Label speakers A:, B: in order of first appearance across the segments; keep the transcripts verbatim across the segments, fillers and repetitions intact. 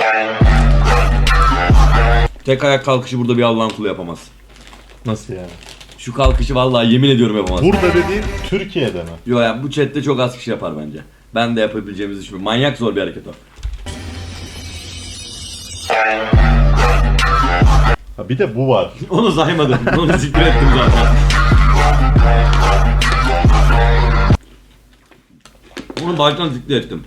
A: Tek ayak kalkışı burada bir Allah'ın kulu yapamaz.
B: Nasıl yani?
A: Şu kalkışı vallahi yemin ediyorum yapamaz.
B: Burada dediğin Türkiye'de mi?
A: Yo ya bu chatte çok az kişi yapar bence. Ben de yapabileceğimizi düşünüyorum. Manyak zor bir hareket o.
B: Ha bir de bu var.
A: Onu saymadım. Onu zikir ettim zaten. Onu baştan zikir ettim.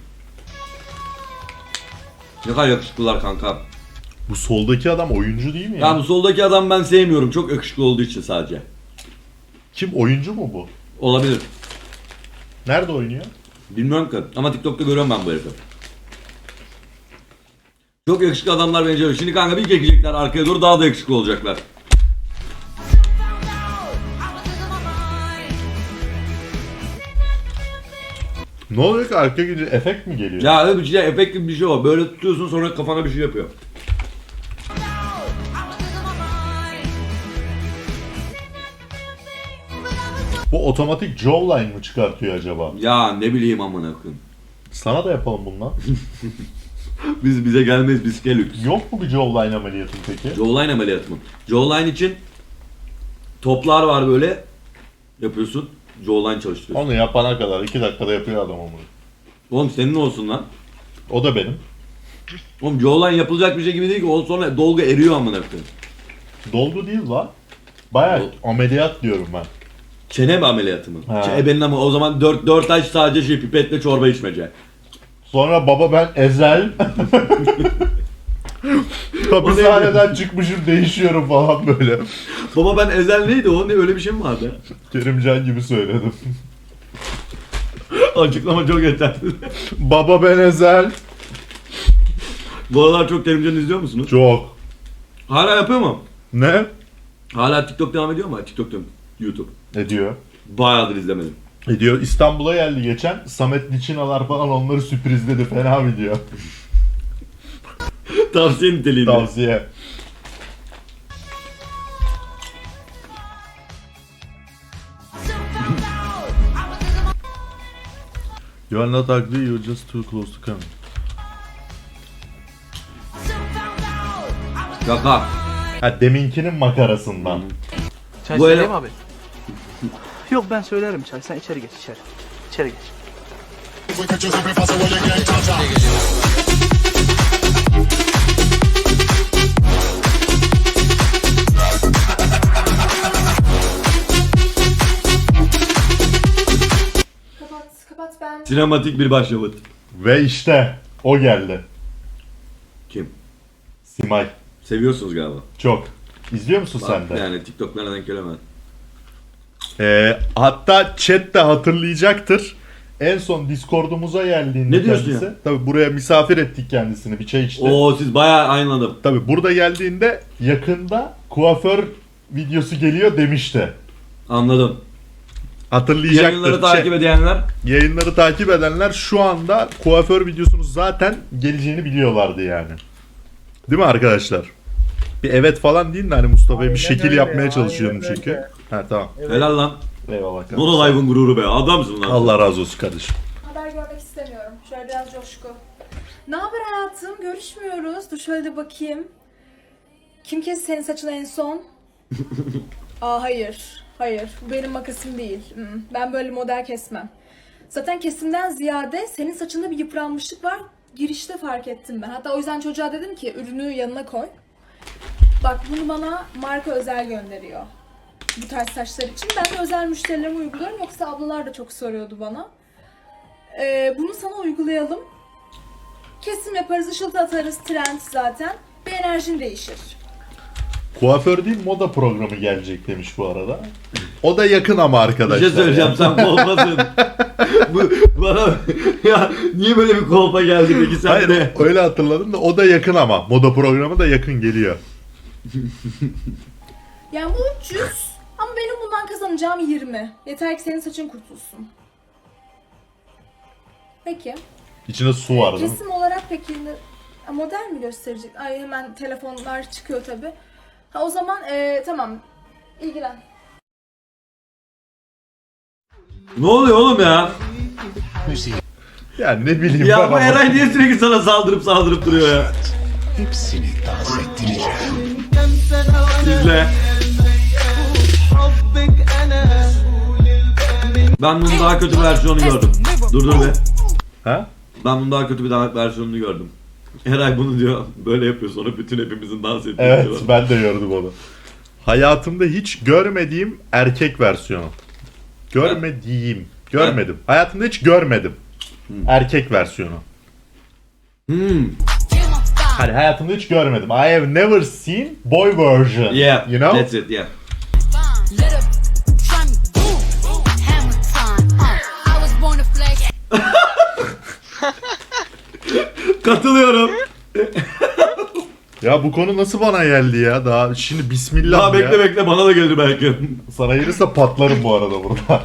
A: Ne kadar yakışıklılar kanka.
B: Bu soldaki adam oyuncu değil mi ya?
A: Ya bu soldaki adam ben sevmiyorum. Çok yakışıklı olduğu için sadece.
B: Kim, oyuncu mu bu?
A: Olabilir.
B: Nerede oynuyor?
A: Bilmiyorum ki. Ama TikTok'ta görüyorum ben bu herifi. Çok yakışıklı adamlar benziyor. Şimdi kanka bir çekecekler arkaya doğru daha da yakışıklı olacaklar.
B: Ne oluyor ki, arka gidince efekt mi geliyor?
A: Ya öyle bir şey, efekt gibi bir şey o. Böyle tutuyorsun sonra kafana bir şey yapıyor.
B: Bu otomatik jawline mı çıkartıyor acaba?
A: Ya ne bileyim amına koyayım.
B: Sana da yapalım bundan.
A: Biz bize gelmeyiz biz gelük.
B: Yok mu bir jawline ameliyatın peki?
A: Jawline ameliyatı mı? Jawline için toplar var böyle. Yapıyorsun. Jawline çalıştırıyorsun.
B: Onu yapana kadar iki dakikada yapıyor adam onu.
A: Oğlum senin olsun lan.
B: O da benim.
A: Oğlum jawline yapılacak bir şey gibi değil ki. O sonra dolgu eriyor amına koyayım.
B: Dolgu değil la. Bayağı
A: Dol-
B: ameliyat diyorum ben.
A: Çene mi ameliyatı mı?
B: Ha.
A: Ç- Ebenin ama o zaman dört dört ay sadece şey pipetle çorba içmece.
B: Sonra baba ben ezel. Hapishaneden çıkmışım, değişiyorum falan böyle.
A: Baba ben ezel neydi o? Ne öyle bir şey mi vardı?
B: Kerimcan gibi söyledim.
A: Açıklama çok yeterli.
B: Baba ben ezel.
A: Bu aralar çok televizyon izliyor musunuz?
B: Çok.
A: Hala yapıyor mu?
B: Ne?
A: Hala TikTok devam ediyor mu? TikTok diyorum. YouTube.
B: Ediyor.
A: Bayağıdır izlemedim.
B: Ediyor. İstanbul'a geldi geçen. Samet Liçinalar falan onları sürprizledi. Fena video.
A: Tavsiye niteliğinde.
B: Tavsiye. You are not ugly, you're just too close to come.
A: Şaka.
B: Ha deminkinin makarasından.
C: Çay
A: Bu
C: söyleyeyim
A: ele-
C: abi. Yok ben söylerim çay. Sen içeri geç içeri. İçeri geç.
D: Kapat, kapat ben.
A: Sinematik bir başyapıt.
B: Ve işte o geldi.
A: Kim?
B: Simay.
A: Seviyorsunuz galiba.
B: Çok. İzliyor musun
A: Bak,
B: sen de?
A: Yani TikTok'lara denk gelemez.
B: Ee, hatta chat de hatırlayacaktır. En son Discord'umuza geldiğinde
A: Ne diyorsun
B: kendisi.
A: ya?
B: Tabii buraya misafir ettik kendisini. Bir çay içti.
A: Oo siz bayağı aynı adam.
B: Tabii burada geldiğinde yakında kuaför videosu geliyor demişti.
A: Anladım.
B: Hatırlayacaktır.
A: Yayınları
B: Chat-
A: takip edenler.
B: Yayınları takip edenler şu anda kuaför videosunun zaten geleceğini biliyorlardı yani. Değil mi arkadaşlar? Bir evet falan deyin de hani Mustafa'ya bir
E: Aynen
B: şekil
E: öyle,
B: yapmaya
E: aynen
B: çalışıyorum
E: öyle.
B: çünkü. Ha tamam.
A: Helal lan.
B: Eyvallah kardeşim.
A: Nono Live'ın gururu be. Adamsın lan.
B: Allah razı olsun kardeşim.
D: Haber görmek istemiyorum. Şöyle biraz coşku. Ne haber hayatım? Görüşmüyoruz. Dur şöyle de bakayım. Kim kesti senin saçını en son? Aa hayır. Hayır. Bu benim makasım değil. Hmm, Ben böyle model kesmem. Zaten kesimden ziyade senin saçında bir yıpranmışlık var. Girişte fark ettim ben. Hatta o yüzden çocuğa dedim ki ürünü yanına koy. Bak bunu bana marka özel gönderiyor. Bu tarz saçlar için. Ben de özel müşterilerime uyguluyorum. Yoksa ablalar da çok soruyordu bana. Ee, bunu sana uygulayalım. Kesim yaparız, ışıltı atarız. Trend zaten. Bir enerjin değişir.
B: Kuaför değil moda programı gelecek demiş bu arada. O da yakın ama
A: Bir
B: arkadaşlar.
A: şey söyleyeceğim
B: yani.
A: sen kolpasın. Bu bana ya niye böyle bir kolpa geldi peki sen
B: Hayır
A: de?
B: öyle hatırladım da o da yakın ama. Moda programı da yakın geliyor.
D: Yani bu üç yüz ama benim bundan kazanacağım yirmi. Yeter ki senin saçın kurtulsun. Peki.
B: İçinde su var değil mi?
D: Kesim olarak peki ne- model mi gösterecek? Ay hemen telefonlar çıkıyor tabi. Ha o zaman ee, tamam. İlgilen.
A: Ne oluyor oğlum ya?
B: Yani ne bileyim
A: Ya
B: ben
A: bu
B: ama.
A: Eray niye sürekli sana saldırıp saldırıp duruyor ya?
E: Hepsini dans ettireceğim.
A: İzle. Ben bunun daha kötü bir versiyonunu gördüm. Dur dur be.
B: Ha?
A: Ben bunun daha kötü bir daha versiyonunu gördüm. Eray bunu diyor böyle yapıyor sonra bütün hepimizin dans ettiği.
B: Evet
A: diyor.
B: ben de gördüm onu. Hayatımda hiç görmediğim erkek versiyonu. Görmediğim. Görmedim. Hayatımda hiç görmedim. Erkek versiyonu.
A: Hmm.
B: Hani hayatımda hiç görmedim. I have never seen boy version.
A: Yeah.
B: You know?
A: That's it. Yeah. Katılıyorum.
B: Ya bu konu nasıl bana geldi ya? Daha şimdi bismillah
A: Daha
B: ya.
A: bekle bekle bana da gelir belki.
B: Sana gelirse patlarım bu arada burada.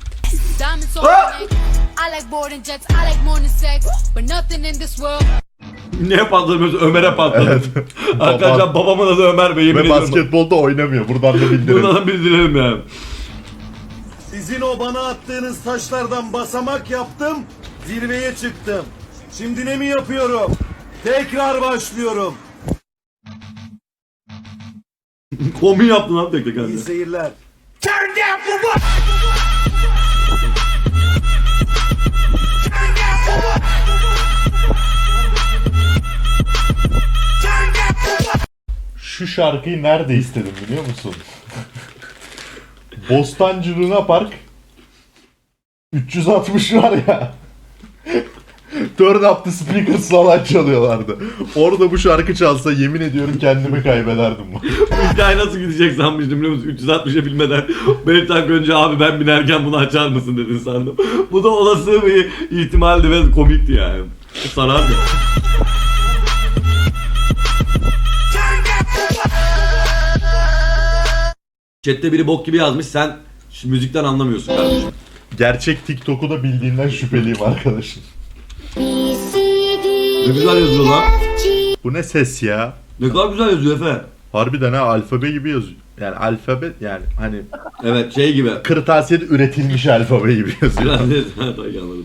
A: Niye patlamıyorsun? Ömer'e patladı.
B: Evet.
A: Arkadaşlar babamın adı Ömer Bey. yemin
B: Ve
A: ediyorum.
B: basketbolda oynamıyor. Buradan da bildirelim.
A: Buradan bildirelim yani.
F: Sizin o bana attığınız taşlardan basamak yaptım, zirveye çıktım. Şimdi ne mi yapıyorum? Tekrar başlıyorum.
A: Komi yaptın lan tek tek
F: İyi
A: halde.
F: seyirler.
B: Şu şarkıyı nerede istedim biliyor musun? Bostancı Luna Park üç yüz altmış var ya. Turn up the speakers falan çalıyorlardı. Orada bu şarkı çalsa yemin ediyorum kendimi kaybederdim.
A: Bu hikaye nasıl gidecek sanmıştım biliyor musun? üç yüz altmışa bilmeden beş dakika önce abi ben binerken bunu açar mısın dedin sandım. Bu da olası bir ihtimaldi ve komikti yani. Sarardı. Chat'te biri bok gibi yazmış sen şu müzikten anlamıyorsun kardeşim.
B: Gerçek TikTok'u da bildiğinden şüpheliyim arkadaşım.
A: Ne güzel yazıyor lan.
B: Bu ne ses ya?
A: Ne kadar güzel yazıyor Efe.
B: Harbiden ha alfabe gibi yazıyor. Yani alfabe yani hani
A: Evet şey gibi.
B: kırtasiyede üretilmiş alfabe gibi yazıyor.
A: Biraz evet anladım.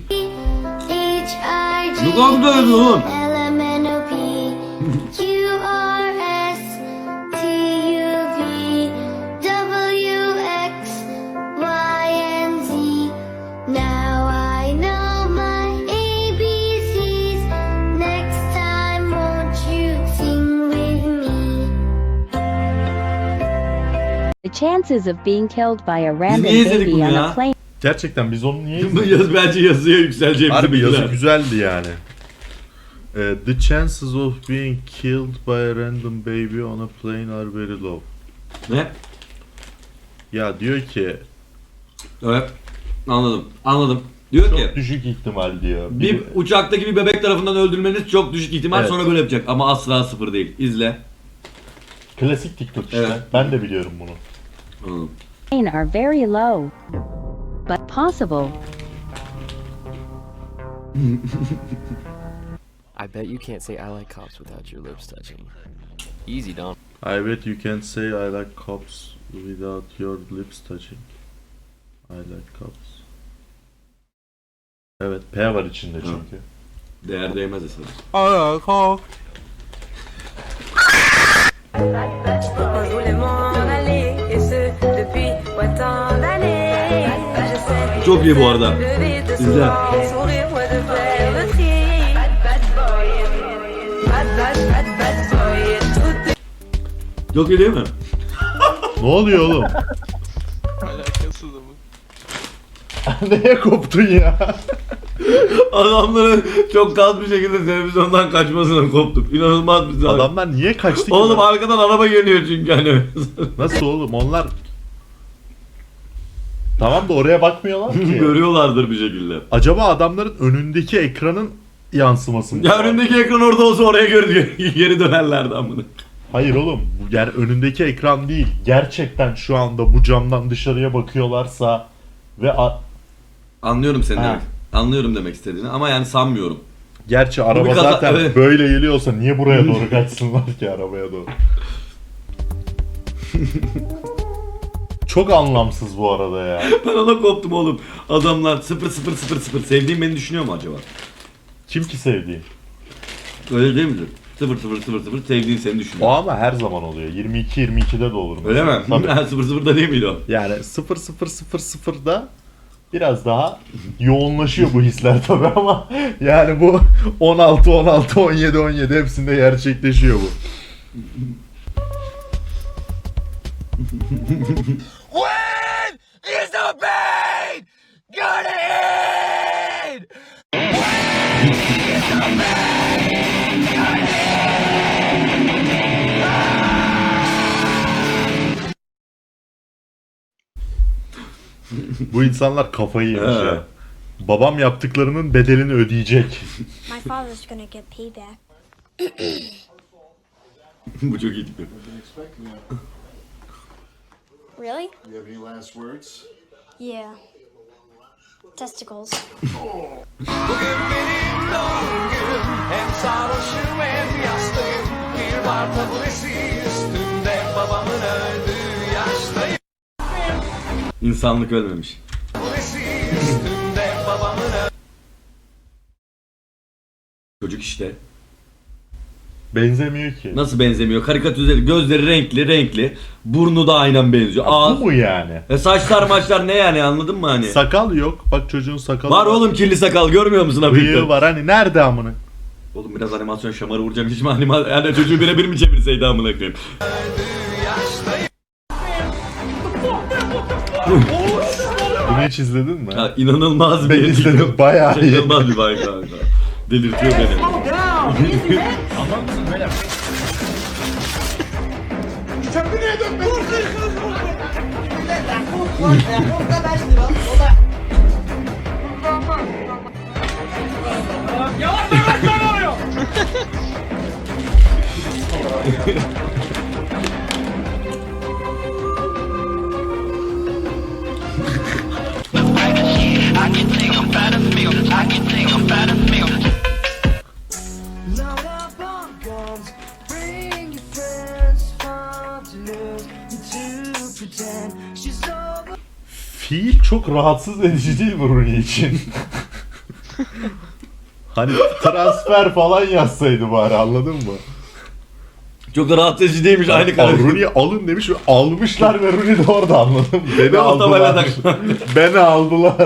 A: Ne kadar güzel yazıyor oğlum.
G: The chances of being killed by a random
A: niye izledik
G: baby
A: bunu
G: on
A: ya?
G: a plane
B: Gerçekten biz onu niye
A: Bu yaz bence yazıya yükseleceğimizi
B: Harbi yazı
A: bildiler.
B: güzeldi yani. Ee, the chances of being killed by a random baby on a plane are very low.
A: Ne?
B: Ya diyor ki
A: Evet. Anladım. Anladım. Diyor
B: çok
A: ki
B: düşük ihtimal diyor.
A: bir uçaktaki bir bebek tarafından öldürülmeniz çok düşük ihtimal
B: Evet.
A: sonra böyle yapacak ama asla sıfır değil. İzle.
B: Klasik TikTok işte.
A: Evet.
B: Ben de biliyorum bunu.
A: Anladım.
G: are very low, but possible.
H: I bet you can't say I like cops without your lips touching. Easy, Dom.
B: I bet you can say I like cops without your lips touching. I like cops. Evet, P var içinde çünkü.
A: Değer değmez esas. Çok iyi bu arada. İzle. Çok iyi değil mi?
B: Ne oluyor oğlum?
I: Alakasız ama.
B: Neye koptun ya?
A: Adamların çok kaz bir şekilde televizyondan kaçmasına koptum. İnanılmaz bir sahne.
B: Adamlar niye kaçtı ki?
A: Oğlum
B: lan?
A: arkadan araba geliyor çünkü hani.
B: Nasıl oğlum? Onlar tamam da oraya bakmıyorlar ki.
A: Görüyorlardır bir şekilde.
B: Acaba adamların önündeki ekranın yansıması mı?
A: Ya önündeki ekran orada olsa oraya geri, geri dönerlerdi amına.
B: Hayır oğlum. Bu yani önündeki ekran değil. Gerçekten şu anda bu camdan dışarıya bakıyorlarsa ve a-
A: Anlıyorum seni
B: Ha.
A: demek. Anlıyorum demek istediğini ama yani sanmıyorum.
B: gerçi araba
A: bir kaza-
B: zaten
A: evet.
B: böyle geliyorsa niye buraya doğru kaçsınlar ki arabaya doğru? Çok anlamsız bu arada ya.
A: Ben ona koptum oğlum. Adamlar sıfır sıfır sıfır sıfır sevdiğim beni düşünüyor mu acaba?
B: Kim ki sevdiği?
A: Öyle değil midir? sıfır sıfır sıfır sıfır sevdiğin seni
B: O
A: düşünüyor.
B: ama her zaman oluyor. yirmi iki yirmi ikide de olur.
A: Öyle mi?
B: Tabii.
A: Ha, sıfır sıfırda değil miydi o?
B: Yani sıfır sıfır sıfır sıfırda biraz daha yoğunlaşıyor bu hisler tabii ama yani bu on altı on altı on yedi on yedi hepsinde gerçekleşiyor bu.
F: When is the pain gonna end?
B: Bu insanlar kafayı yemiş
A: He.
B: ya. Babam yaptıklarının bedelini ödeyecek.
J: My father's gonna get payback.
A: Bu çok iyi tipi.
J: Really?
E: You have any last words?
J: Yeah. Testicles.
F: Bugün benim doğum günüm. Hem sarhoşum hem yastayım. Bir bar taburesi üstünde babamın öldüğü yaştayım.
A: İnsanlık ölmemiş.
F: Taburesi üstünde babamın öldüğü
A: Çocuk işte.
B: Benzemiyor ki.
A: Nasıl benzemiyor? Karikatürize, gözleri renkli renkli. Burnu da aynen benziyor. Ağız.
B: Bu mu yani?
A: E saçlar maçlar ne yani, anladın mı hani?
B: Sakal yok. Bak çocuğun sakalı
A: Var oğlum kirli sakal, görmüyor musun
B: Bıyığı
A: hafiften?
B: var hani nerede amına?
A: Oğlum biraz animasyon şamarı vuracağım, hiç mi animasyon? Yani çocuğu birebir mi çevirseydi amına koyayım?
F: yaştayım.
B: Bunu hiç izledin mi?
A: Ya inanılmaz
B: Ben
A: bir
B: izledim, bayağı iyi.
A: İnanılmaz bir bay kanka. Delirtiyor beni.
B: Fiil çok rahatsız edici değil mi Rooney için? Hani transfer falan yazsaydı bari, anladın mı?
A: Çok da rahatsız edici değilmiş aynı
B: Al,
A: karakter.
B: Rooney'i alın demiş ve almışlar ve Rooney de orada, anladın mı? Beni
A: Ve o tabela
B: aldılar.
A: takmış.
B: Beni aldılar.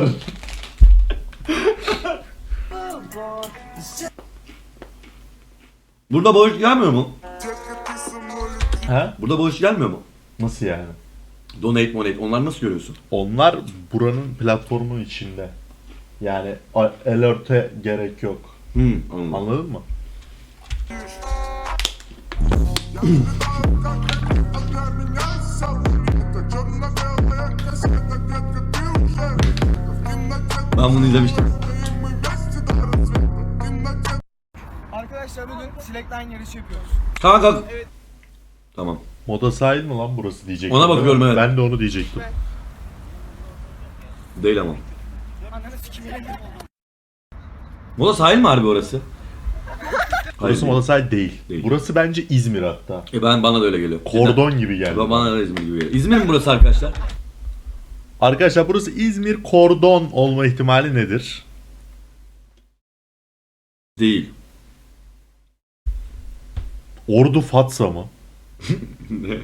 A: Burada bağış gelmiyor mu?
B: He?
A: Burada bağış gelmiyor mu?
B: Nasıl yani?
A: Donate monate, onlar nasıl görüyorsun?
B: Onlar buranın platformunun içinde. Yani a- alert'e gerek yok.
A: Hmm, anladım.
B: Anladın mı?
A: Ben bunu izlemiştim.
C: Arkadaşlar bugün slackline yarışı yapıyoruz.
A: Kanka. Tamam.
B: Moda sahil mi lan burası diyecektim.
A: Ona bakıyorum, evet.
B: Ben de onu diyecektim.
A: Değil ama.
C: Ananı sikimine gir.
A: Moda sahil mi harbi orası?
B: Burası
A: Hayır,
B: moda sahil değil.
A: Değil.
B: Burası bence İzmir hatta.
A: E ben, bana da öyle geliyor.
B: Kordon gibi geldi.
A: Cidden. Bana da İzmir gibi geliyor. İzmir mi burası arkadaşlar?
B: Arkadaşlar burası İzmir, kordon olma ihtimali nedir?
A: Değil.
B: Ordu Fatsa mı?
A: Ne?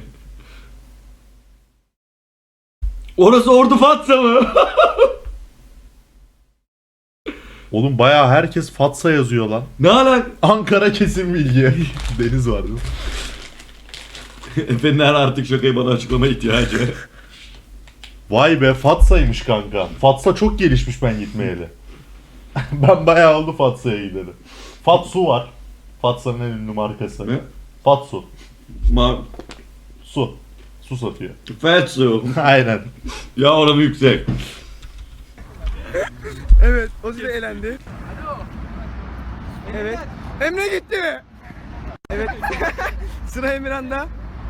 A: Orası Ordu Fatsa mı?
B: Oğlum bayağı herkes Fatsa yazıyor lan.
A: Ne alak?
B: Ankara kesin bilgi. Deniz var değil mi?
A: Efendiler artık şakayı bana açıklama ihtiyacı.
B: Vay be, Fatsa'ymış kanka. Fatsa çok gelişmiş ben gitmeyeli. Ben bayağı oldu Fatsa'ya gideli. Fatsu var. Fatsa'nın en ünlü markası.
A: Ne?
B: Fatsu.
A: Ma
B: Su. Su satıyor.
A: Fatsu.
B: Aynen.
A: Ya oranı yüksek.
C: Evet, Ozi elendi. Evet. Emre gitti. Evet. Sıra Emirhan'da.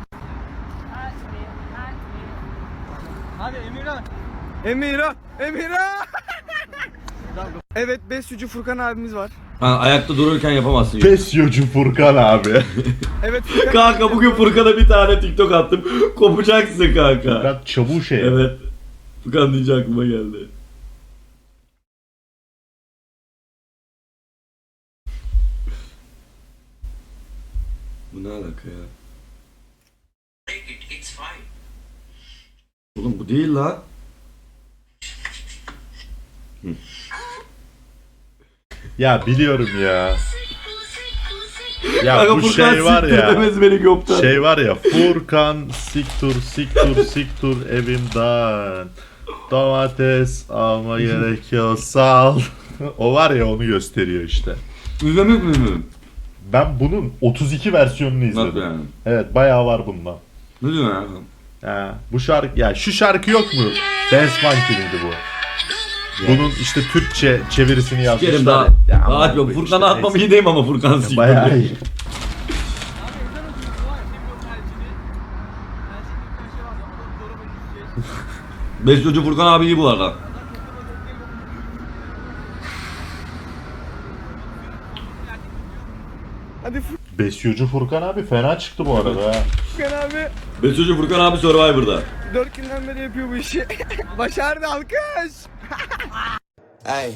C: Hadi Emirhan. Emirhan. Emirhan. Evet, Besücü Furkan abimiz var.
A: Ha, ayakta dururken yapamazsın.
B: Besyocu Furkan abi.
C: Evet Furkan.
A: Kanka bugün Furkan'a bir tane TikTok attım. Kopacaksın kanka.
B: Furkan çabuğu şey.
A: Evet. Furkan deyince aklıma geldi. Bu ne alaka ya? Oğlum bu değil lan.
B: Ya biliyorum ya. Ya
A: Kanka
B: bu
A: Furkan
B: şey var
A: siktir
B: ya.
A: demez beni gökten.
B: Şey var ya, Furkan siktur siktur siktur evimden. Domates alma gerekiyor sal. O var ya, onu gösteriyor işte.
A: İzlemek mi?
B: Ben bunun otuz iki versiyonunu izledim.
A: Nasıl yani?
B: Evet, bayağı var bundan.
A: Ne diyorsun ya?
B: Ha, bu şarkı ya, şu şarkı yok mu? Dance Monkey'di bu. Bunun işte Türkçe çevirisini yazmışlar.
A: Sikerim daha.
B: Ya,
A: Daha
B: aman
A: yok.
B: bu
A: Furkan'a
B: işte,
A: atmam
B: neyse.
A: iyi değil ama Furkan siktir.
B: Bayağı iyi.
A: Besyocu Furkan abi iyi bu arada.
B: Besyocu Furkan abi fena çıktı bu arada ha.
I: Furkan abi
A: Besyocu Furkan abi Survivor'da.
I: dört günden beri yapıyor bu işi. Başardı, alkış.
E: Hey.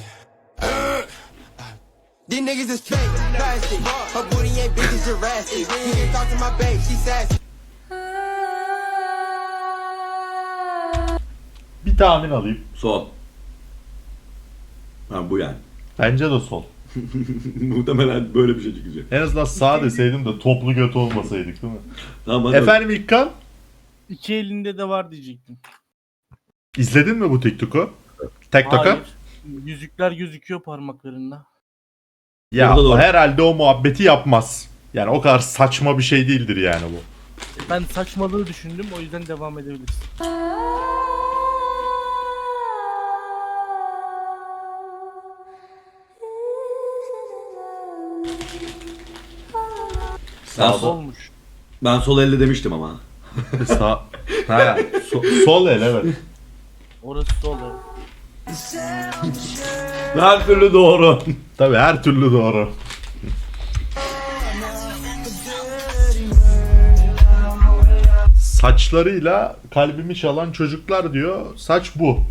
E: These niggas is fake, plastic. Her booty ain't big as Jurassic. You can talk to my babe, she sassy.
B: Bir tahmin alayım.
A: Sol. Ha bu yani.
B: Bence de sol.
A: Muhtemelen böyle bir şey çıkacak.
B: En azından sağ deseydim de toplu göt olmasaydık değil mi?
A: Tamam hadi.
B: Efendim İlkan,
C: İki elinde de var diyecektim.
B: izledin mi bu TikTok'u? TikTok'u?
C: Hayır. Yüzükler gözüküyor parmaklarında.
B: Ya
A: Orada da
B: o
A: var.
B: herhalde o muhabbeti yapmaz. Yani o kadar saçma bir şey değildir yani bu.
C: Ben saçmalığı düşündüm, o yüzden devam edebiliriz.
A: Ben,
B: Sağ
A: sol,
C: Olmuş.
A: ben sol elle demiştim ama.
B: Sağ. Ha, so- sol el evet.
C: Orası sol. evet.
A: Her türlü doğru.
B: Tabii her türlü doğru. Saçlarıyla kalbimi çalan çocuklar diyor. Saç bu.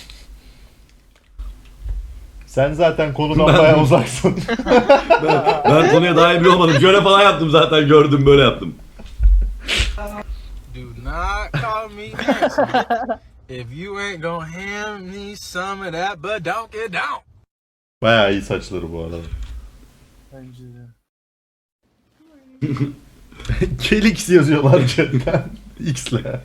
B: Sen zaten konudan bayağı uzaksın.
A: Ben, ben konuya daha iyi bile olmadım. Şöyle falan yaptım zaten, gördüm böyle yaptım.
E: Do not call me nasty. If you ain't gonna hand me some of that, but don't get down.
B: Bayağı iyi saçları bu arada.
C: Bence de.
B: Kelix yazıyorlar chatten. X'le.
J: Okay.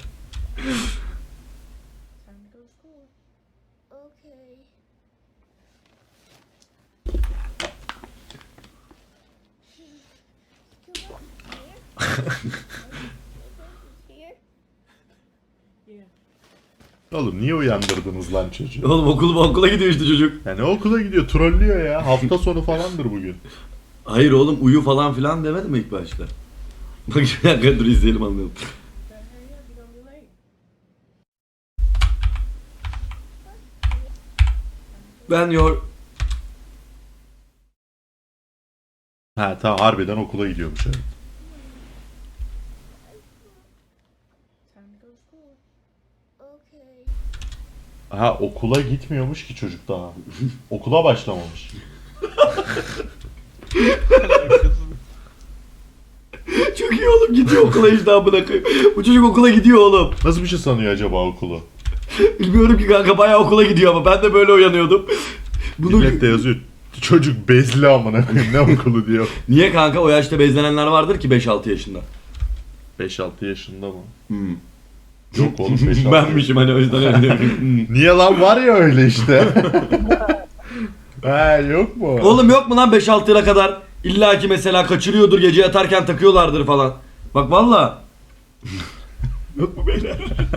B: Oğlum niye uyandırdınız lan çocuğu?
A: Oğlum okul, okula gidiyor işte çocuk.
B: Yani okula gidiyor, trollüyor ya. Hafta sonu falandır bugün.
A: Hayır oğlum, uyu falan filan demedi mi ilk başta? Bak bir dakika dur izleyelim anlayalım. Ben yor...
B: Ha tamam, harbiden okula gidiyormuş evet.
J: Okay.
B: Ha, okula gitmiyormuş ki çocuk daha. Okula başlamamış.
A: Çok iyi oğlum, gidiyor okula işte amına koyayım. Bu çocuk okula gidiyor oğlum.
B: Nasıl bir şey sanıyor acaba okulu?
A: Bilmiyorum ki kanka, bayağı okula gidiyor ama ben de böyle uyanıyordum. Bunu...
B: Millet de yazıyor. Çocuk bezli amına koyayım, ne okulu diyor.
A: Niye kanka, o yaşta bezlenenler vardır ki beş altı yaşında.
B: beş altı yaşında mı?
A: Hmm.
B: Yok oğlum beş altı.
A: Benmişim hani, o yüzden öyle diyorum. Hmm.
B: Niye lan, var ya öyle işte. Ha yok mu?
A: Oğlum yok mu lan beş altı yıla kadar? İlla ki mesela kaçırıyordur, gece yatarken takıyorlardır falan. Bak valla. Yok mu beyler?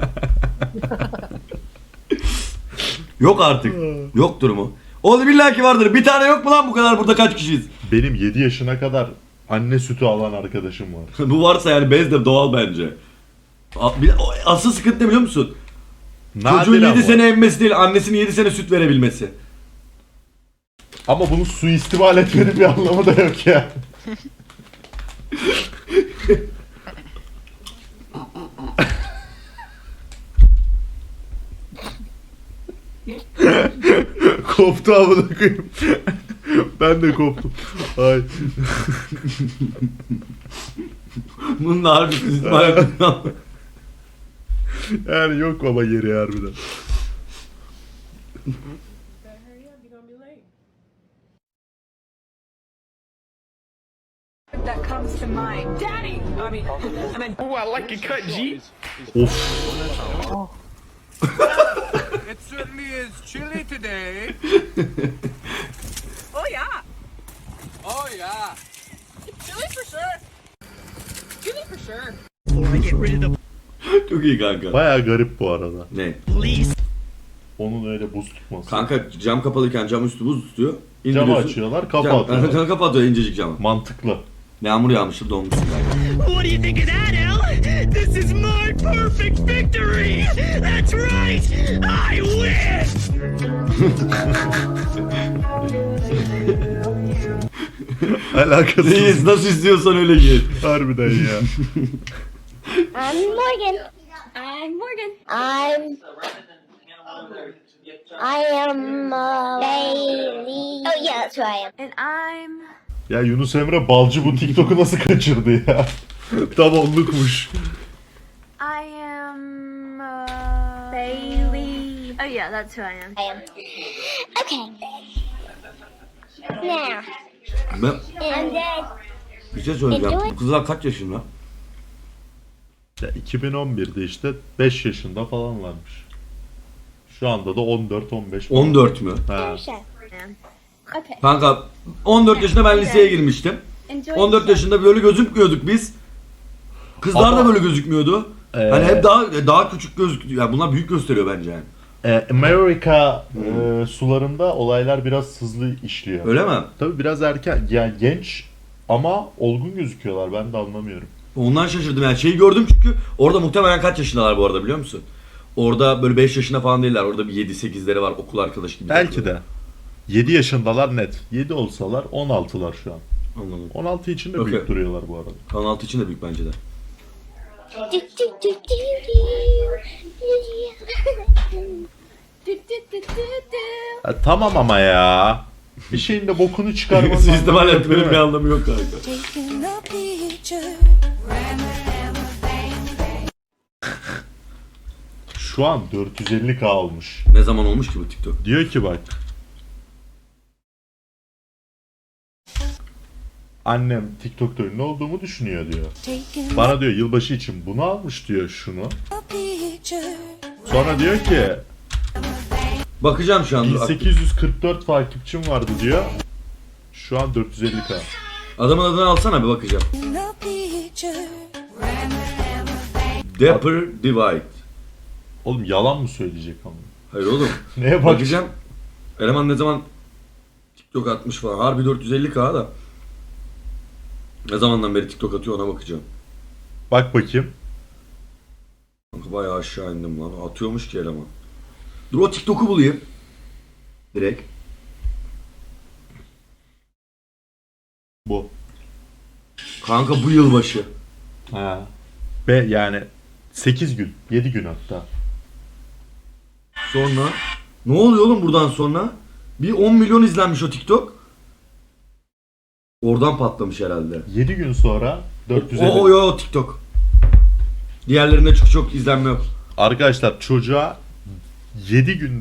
A: Yok artık. Yoktur mu? Oğlum illa ki vardır. Bir tane yok mu lan bu kadar, burada kaç kişiyiz?
B: Benim yedi yaşına kadar anne sütü alan arkadaşım var.
A: Bu varsa yani bez de doğal bence. A- bir- o- Asıl sıkıntı ne biliyor musun? Çocuğun
B: Nadiren
A: yedi
B: var.
A: sene emmesi değil, annesinin yedi sene süt verebilmesi.
B: Ama bunu suistimal etmenin bir anlamı da yok ya. Koptu amına koyayım. Ben de koptum. Ay.
A: Bunun da harbi istismar yapıyor.
B: Yani yok baba yeri harbiden.
D: That comes to mind. Daddy! I mean, I mean,
I: Oh, I like a cut, G.
B: Of.
E: It certainly is chilly today.
D: oh yeah.
E: Oh yeah.
D: Chili for sure. Chili for sure.
A: Çok iyi kanka.
B: Baya garip bu arada.
A: Ne?
B: Onun öyle buz tutması.
A: Kanka cam kapalıyken cam üstü buz tutuyor.
B: Camı
A: İndiriyorsun.
B: açıyorlar, kapı
A: Cam,
B: atıyorlar.
A: cam kapatıyor incecik camı.
B: Mantıklı.
A: Yağmur yağmıştır donmuşsun kanka.
I: What do you think of that, Al? This is my perfect victory. That's right. I win.
B: Alakasız.
A: Reis nasıl istiyorsan öyle git.
B: Harbiden ya.
J: I'm Morgan. I'm Morgan. I'm. I am uh, Bailey. Oh yeah, that's who I am. And I'm.
B: Ya Yunus Emre Balcı bu TikTok'u nasıl kaçırdı ya? Tam onlukmuş.
J: I am uh, Bailey. Oh yeah, that's who I am. I am. Okay. Now.
A: Ben
J: And then.
A: bir şey söyleyeceğim. Bu kızlar kaç yaşında?
B: Ya iki bin on birde işte beş yaşında falan varmış. Şu anda da on dört on beş.
A: on dört mü?
B: Ha.
J: Okay.
A: Kanka on dört yaşında ben liseye girmiştim.
J: Enjoy
A: on dört yaşında böyle gözükmüyorduk biz. Kızlar
B: Ama-
A: da böyle gözükmüyordu.
B: Ee,
A: Hani hep daha daha küçük gözüküyor. Yani bunlar büyük gösteriyor bence yani.
B: e, Amerika e, sularında olaylar biraz hızlı işliyor.
A: Öyle mi?
B: Tabii biraz erken, yani genç ama olgun gözüküyorlar, ben de anlamıyorum.
A: Ondan şaşırdım yani. Şeyi gördüm çünkü orada muhtemelen kaç yaşındalar bu arada biliyor musun? Orada böyle beş yaşında falan değiller. Orada bir yedi sekizleri var okul arkadaşı gibi.
B: Belki de. yedi yaşındalar net. yedi olsalar on altılar şu an.
A: Anladım.
B: on altı için de
A: Okey.
B: büyük duruyorlar bu arada.
A: Kanal altı için de büyük bence de.
J: Do, do, do, do, do. Do, do, do, do, do.
B: Ha, tamam ama ya. Bir şeyin de bokunu çıkarmanın
A: Sistem
B: anlamı yok,
A: etmenin
B: değil
A: bir
B: mi?
A: anlamı yok kanka.
B: Şu an dört yüz elli K olmuş.
A: Ne zaman olmuş ki bu TikTok?
B: Diyor ki bak. Annem TikTok'ta ünlü olduğumu düşünüyor diyor. Bana diyor yılbaşı için bunu almış diyor şunu. Sonra diyor ki
A: Bakacağım şu an. dur.
B: bin sekiz yüz kırk dört takipçim vardı diyor. Şu an dört yüz elli K.
A: Adamın adını alsana bir bakacağım. Dapper Divide.
B: Oğlum yalan mı söyleyecek ama?
A: Hayır oğlum.
B: Neye bak?
A: Bakacağım. Eleman ne zaman TikTok atmış falan. Harbi dört yüz elli K da. Ne zamandan beri TikTok atıyor ona bakacağım.
B: Bak bakayım.
A: Kanka bayağı aşağı indim lan. Atıyormuş ki eleman. Dur o TikTok'u bulayım. Direkt.
B: Bu.
A: Kanka bu yılbaşı.
B: Ha. Ve yani sekiz gün, yedi gün hatta.
A: Sonra ne oluyor oğlum buradan sonra? Bir on milyon izlenmiş o TikTok. Oradan patlamış herhalde.
B: yedi gün sonra dört yüz elli.
A: O o yo TikTok. Diğerlerinde çok çok izlenme yok.
B: Arkadaşlar çocuğa yedi gün